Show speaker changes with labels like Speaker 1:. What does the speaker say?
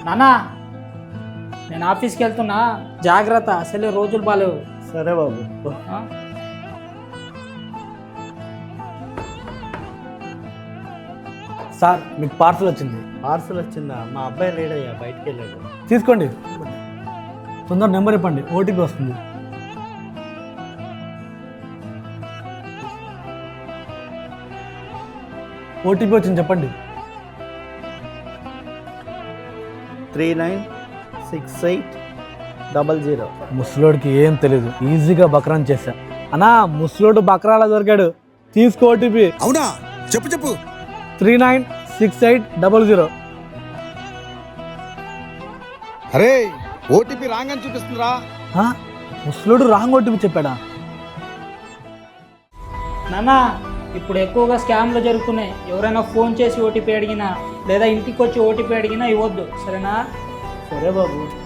Speaker 1: నానా నేను ఆఫీస్కి వెళ్తున్నా, జాగ్రత్త, అసలే రోజులు బాలేవు.
Speaker 2: సరే బాబు.
Speaker 1: ఆ?
Speaker 3: సార్ మీకు పార్సల్ వచ్చింది,
Speaker 2: పార్సల్ వచ్చిందా? మా అబ్బాయి లేడయ్యా, బయటికి వెళ్ళాడు.
Speaker 3: తీసుకోండి. తొందర నెంబర్ ఇవ్వండి, ఓటీపీ వస్తుంది. ఓటీపీ వచ్చింది, చెప్పండి.
Speaker 2: 396800.
Speaker 3: ముసలోడికి ఏం తెలీదు, ఈజీగా బక్రాన్ చేశా. అన్నా ముసలోడు బక్రాలా దొరికాడు, తీసుకో ఓటీపీ.
Speaker 4: అవునా? చెప్పు చెప్పు.
Speaker 3: 396800.
Speaker 4: అరే ఓటీపీ రాంగ్ అని చూపిస్తుందిరా.
Speaker 3: ముసలోడు రాంగ్ ఓటీపీ చెప్పాడా?
Speaker 1: నానా ఇప్పుడు ఎక్కువగా స్కామ్లు జరుగుతున్నాయి. ఎవరైనా ఫోన్ చేసి ఓటీపీ అడిగినా లేదా ఇంటికి వచ్చి ఓటీపీ అడిగినా ఇవ్వద్దు, సరేనా?
Speaker 2: సరే బాబు.